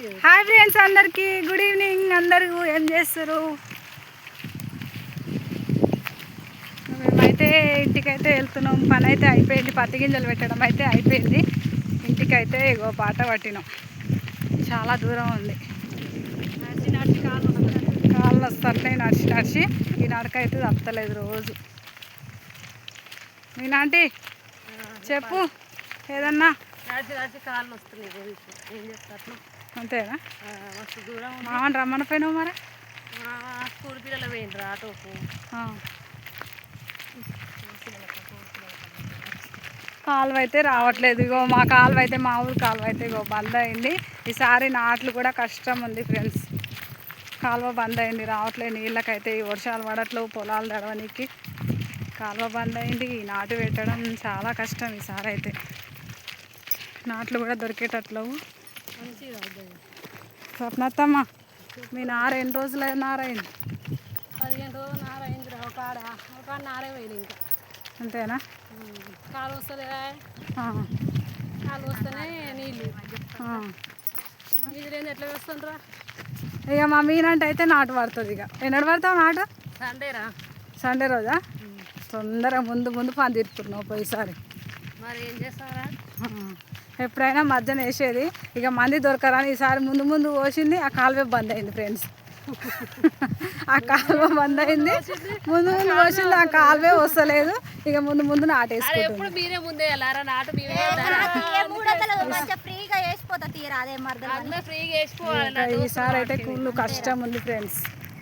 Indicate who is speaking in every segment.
Speaker 1: Hi friends, అందరికి good evening. అందరూ ఏం చేస్తారు? మేమైతే ఇంటికైతే వెళ్తున్నాం. పని అయితే అయిపోయింది, పత్తి గింజలు పెట్టడం అయితే అయిపోయింది. ఇంటికైతే ఇగో పాట పట్టినాం. చాలా దూరం ఉంది, కాళ్ళు వస్తున్నాయి నడిచి నడిచి. ఈ నడకైతే తప్పలేదు రోజు. మీ నాంటి చెప్పు ఏదన్నా.
Speaker 2: కాళ్ళు వస్తున్నాయి, ఏం చెప్తాను
Speaker 1: అంతేనా?
Speaker 2: మస్తు దూరం.
Speaker 1: మామని రమ్మని పోయినావు మరి?
Speaker 2: స్కూల్ పిల్లలు పోయిండ్రు ఆటోకు.
Speaker 1: కాలువ అయితే రావట్లేదు. ఇగో మా కాలువ అయితే, మా ఊరు కాలువ అయితే ఇగో బంద్ అయింది. ఈసారి నాట్లు కూడా కష్టం ఉంది ఫ్రెండ్స్. కాలువ బంద్ అయింది, రావట్లేదు నీళ్ళకైతే. ఈ వర్షాలు పడట్లేవు, పొలాలు తడవనికి కాలువ బంద్ అయింది. నాటు పెట్టడం చాలా కష్టం ఈసారి అయితే. నాట్లు కూడా దొరికేటట్లేవు. స్వప్నత్తమ్మ, మీ నార ఎన్ని రోజులు నారైంది?
Speaker 2: 15 రోజులు నారైంది. ఒక నారే పోయింది. ఇంకా
Speaker 1: అంతేనా?
Speaker 2: కాలు వస్తుంది, కాలు వస్తేనే నీళ్ళు లేని ఎట్లా వేస్తుండ్రా?
Speaker 1: ఇక మా మీనంటే అయితే నాటు పడుతుంది. ఇక ఎన్నడు పడతావు నాటు?
Speaker 2: సండేరా?
Speaker 1: సండే రోజా? తొందరగా ముందు పని తీరుతున్నావు పోయిసారి.
Speaker 2: మరి ఏం చేస్తారా?
Speaker 1: ఎప్పుడైనా మధ్యన వేసేది, ఇక మంది దొరకరని ఈసారి ముందు పోసింది. ఆ కాలువ బంద్ అయింది ఫ్రెండ్స్. ఆ కాలువ బంద్ అయింది, ముందు పోసింది. ఆ కాలువే వస్తలేదు. ఇక ముందు నాటేసుకుంటుంది.
Speaker 2: మీరే ముందే వెళ్ళారా నాటు?
Speaker 1: ఈసారి అయితే కుళ్ళు కష్టం ఉంది ఫ్రెండ్స్.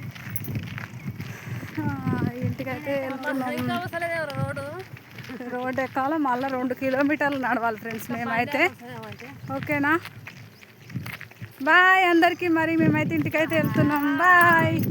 Speaker 1: ఇంటికైతే వెళ్తున్నాం. రోడ్ ఎక్కాలి, మళ్ళీ 2 కిలోమీటర్లు నడవాలి ఫ్రెండ్స్ మేమైతే. ఓకేనా? బాయ్ అందరికీ. మరి మేమైతే ఇంటికైతే వెళ్తున్నాం. బాయ్.